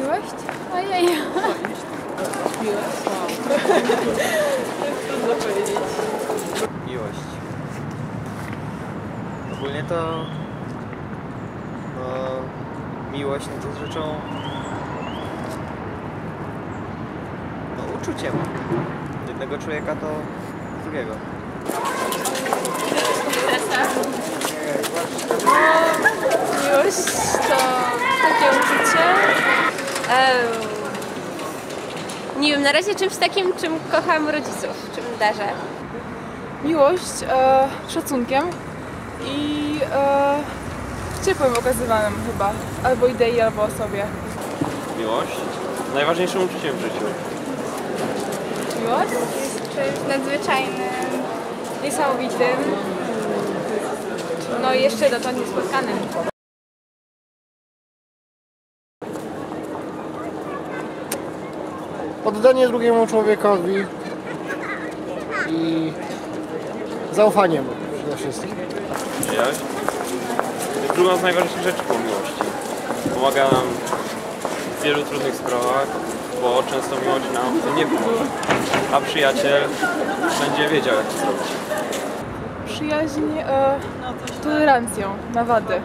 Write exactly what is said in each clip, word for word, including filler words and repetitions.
Miłość? Ojej. Miłość? Trudno powiedzieć. Miłość. Ogólnie to... No... Miłość no to jest rzeczą... No uczuciem. Jednego człowieka do drugiego. Miłość to takie uczucie. Um, nie wiem, na razie czymś takim, czym kocham rodziców, czym darzę. Miłość e, szacunkiem i e, ciepłem okazywanym chyba. Albo idei, albo osobie. Miłość? Najważniejszym uczuciem w życiu. Miłość? Jest czymś nadzwyczajnym, Niesamowitym. No i jeszcze dotąd niespotkanym. Oddanie drugiemu człowiekowi i zaufaniem przede wszystkim. Przyjaźń? To jest druga z najważniejszych rzeczy po miłości. Pomaga nam w wielu trudnych sprawach, bo często miłość nam w tym nie pomoże. A przyjaciel będzie wiedział, jak to zrobić. Przyjaźń e, tolerancją na wady.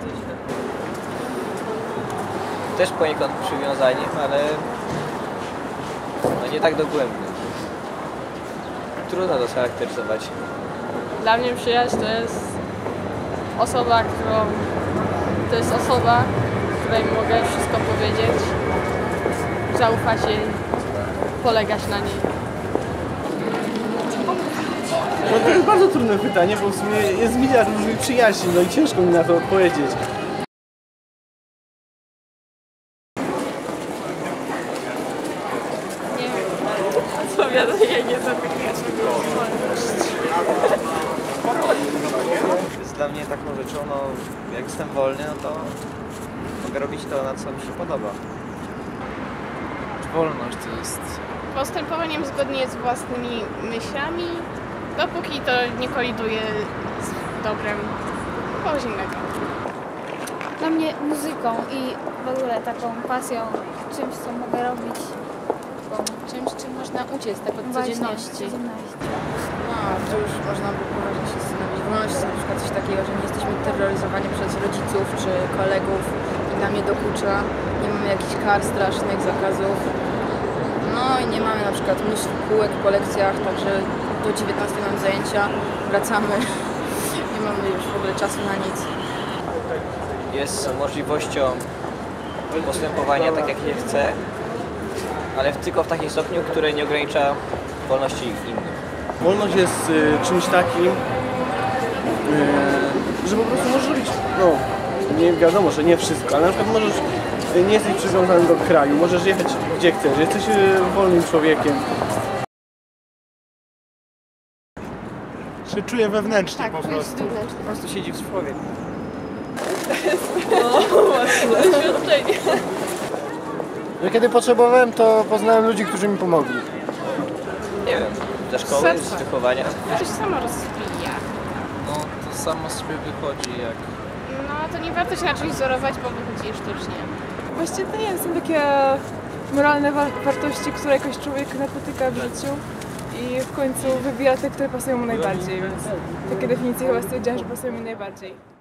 Też poniekąd przywiązaniem, ale... No nie tak dogłębnie. Trudno to scharakteryzować. Dla mnie przyjaźń to jest osoba, którą... To jest osoba, której mogę wszystko powiedzieć, zaufać jej, polegać na niej. No to jest bardzo trudne pytanie, bo w sumie jest miliard różnych przyjaźni, no i ciężko mi na to odpowiedzieć. Nie wiem, odpowiadanie nie zapytać. Jest dla mnie taką rzeczą, no jak jestem wolny, no to mogę robić to, na co mi się podoba. Wolność to jest... postępowaniem zgodnie z własnymi myślami, dopóki to nie koliduje z dobrem kogoś innego. Dla mnie muzyką i w ogóle taką pasją, czymś, co mogę robić. Czymś, czym można uciec tak od codzienności. No, to już można by poważnie się zastanowić. Wolność to na przykład coś takiego, że nie jesteśmy terroryzowani przez rodziców czy kolegów i nam nie dokucza. Nie mamy jakichś kar strasznych, zakazów. No i nie mamy na przykład mnóstwo kółek po lekcjach, także do dziewiętnastej mamy zajęcia, wracamy. Nie mamy już w ogóle czasu na nic. Jest możliwością postępowania tak, jak się chce, ale tylko w takim stopniu, które nie ogranicza wolności innych. Wolność jest y, czymś takim, y, że po prostu możesz robić, no nie wiadomo, że nie wszystko, ale na przykład możesz, y, nie jesteś przywiązany do kraju, możesz jechać gdzie chcesz, jesteś y, wolnym człowiekiem. Się czuję wewnętrznie Tak, po czujesz prostu. wewnętrznie. Po prostu siedzi w człowiek. Doświadczenie. Że kiedy potrzebowałem, to poznałem ludzi, którzy mi pomogli. Nie wiem, ze szkoły, Serce. z wychowania. To się samo rozwija. No, to samo z siebie wychodzi jak... No to nie warto się na czymś wzorować, bo wychodzi sztucznie. Właściwie to nie są takie moralne wa wartości, które jakoś człowiek napotyka w życiu i w końcu wybiera te, które pasują mu najbardziej, więc takie definicje chyba stwierdziłam, że pasują mi najbardziej.